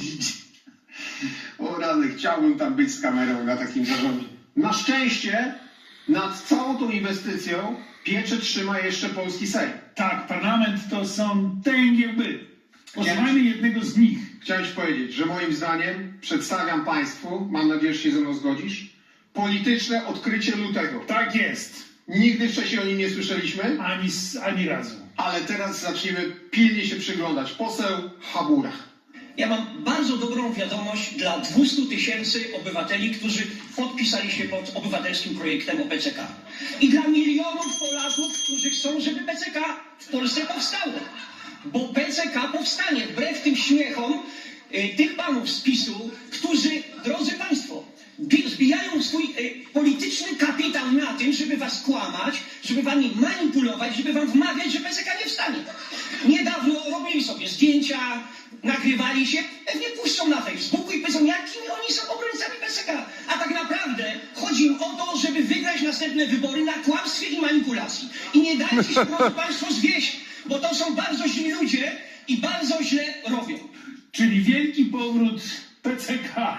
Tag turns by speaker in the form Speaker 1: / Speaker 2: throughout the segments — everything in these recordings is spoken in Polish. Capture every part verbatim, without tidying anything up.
Speaker 1: jeździć.
Speaker 2: O rany, chciałbym tam być z kamerą na takim zarządzie. Na szczęście nad całą tą inwestycją pieczę trzyma jeszcze polski Sejm.
Speaker 1: Tak, parlament to są tęgie łby. Posłuchajmy jednego z nich.
Speaker 2: Chciałem ci powiedzieć, że moim zdaniem przedstawiam państwu, mam nadzieję, że się ze mną zgodzisz, polityczne odkrycie lutego.
Speaker 1: Tak jest.
Speaker 2: Nigdy wcześniej o nim nie słyszeliśmy,
Speaker 1: Ani, s- ani razu.
Speaker 2: ale teraz zaczniemy pilnie się przyglądać. Poseł Habura.
Speaker 3: Ja mam bardzo dobrą wiadomość dla dwustu tysięcy obywateli, którzy podpisali się pod obywatelskim projektem o P C K. I dla milionów Polaków, którzy chcą, żeby P C K w Polsce powstało. Bo P C K powstanie wbrew tym śmiechom y, tych panów z PiSu, którzy, drodzy państwo, bi- zbijają swój y, polityczny kapitał na tym, żeby was kłamać, żeby wami manipulować, żeby wam wmawiać, że P C K nie wstanie. Niedawno robili sobie zdjęcia, nagrywali się, pewnie puszczą na Facebooku i powiedzą, jakimi oni są obrońcami P C K. A tak naprawdę chodzi im o to, żeby wygrać następne wybory na kłamstwie i manipulacji. I nie dajcie się, proszę państwo, zwieść, bo to są bardzo źli ludzie i bardzo źle robią.
Speaker 1: Czyli wielki powrót P C K.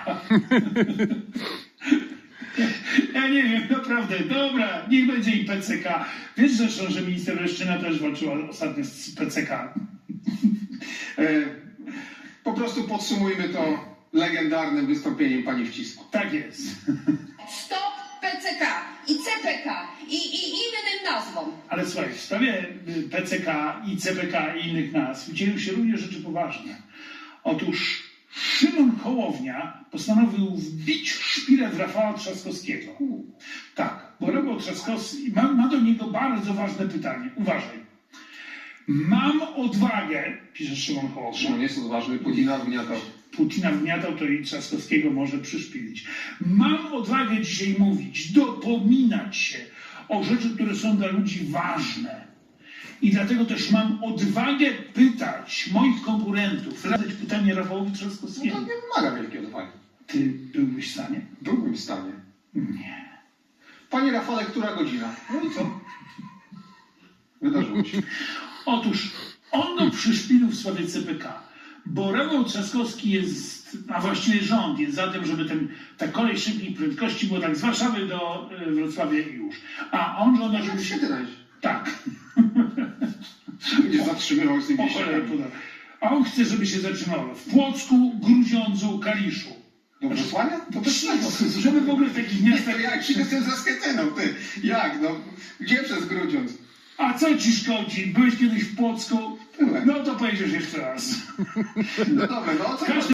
Speaker 1: Ja nie wiem, naprawdę. Dobra, niech będzie i P C K. Wiesz zresztą, że minister Leszczyna też walczyła ostatnio z P C K.
Speaker 2: E, po prostu podsumujmy to legendarnym wystąpieniem pani Wcisku.
Speaker 1: Tak jest.
Speaker 4: Stop P C K i C P K i, i innym nazwom.
Speaker 1: Ale słuchaj, w sprawie y, P C K i C P K i innych nazw dzieją się również rzeczy poważne. Otóż Szymon Hołownia postanowił wbić szpilę w Rafała Trzaskowskiego. Tak, bo Rafał Trzaskowski ma, ma do niego bardzo ważne pytanie. Uważaj. Mam odwagę, pisze Szymon Hołownia.
Speaker 2: Szymon jest odważny, Putina wgniatał.
Speaker 1: Putina wgniatał, to i Trzaskowskiego może przyszpilić. Mam odwagę dzisiaj mówić, dopominać się o rzeczy, które są dla ludzi ważne. I dlatego też mam odwagę pytać moich konkurentów, zadać pytanie Rafałowi
Speaker 2: No
Speaker 1: Trzaskowskiemu.
Speaker 2: to nie wymaga wielkiej odwagi.
Speaker 1: Ty byłbyś w stanie?
Speaker 2: Byłbym w stanie.
Speaker 1: Nie.
Speaker 2: Panie Rafale, która godzina? No i co? Wydarzyło się.
Speaker 1: Otóż on go przyszpilił w sprawie C P K, bo Rafał Trzaskowski jest, a właściwie rząd jest za tym, żeby ten, ta kolej szybkiej prędkości była tak z Warszawy do y, Wrocławia i już. A on żąda, żeby się...
Speaker 2: Kiedy znajdzie?
Speaker 1: Tak.
Speaker 2: Będzie zatrzymywał z tym
Speaker 1: O cholerę
Speaker 2: wieśniakami.
Speaker 1: poda. A on chce, żeby się zatrzymało w Płocku, Grudziądzu, Kaliszu.
Speaker 2: Do Wrocławia? To też nie.
Speaker 1: Żeby w ogóle w takich
Speaker 2: Nie,
Speaker 1: miastach...
Speaker 2: to jak się z tym zaskietyną, ty? Jak, no? Gdzie przez Grudziądz?
Speaker 1: A co ci szkodzi? Byłeś kiedyś w Płocku?
Speaker 2: Byłem.
Speaker 1: No to pojedziesz jeszcze raz.
Speaker 2: No dobra, no co?
Speaker 1: Każdy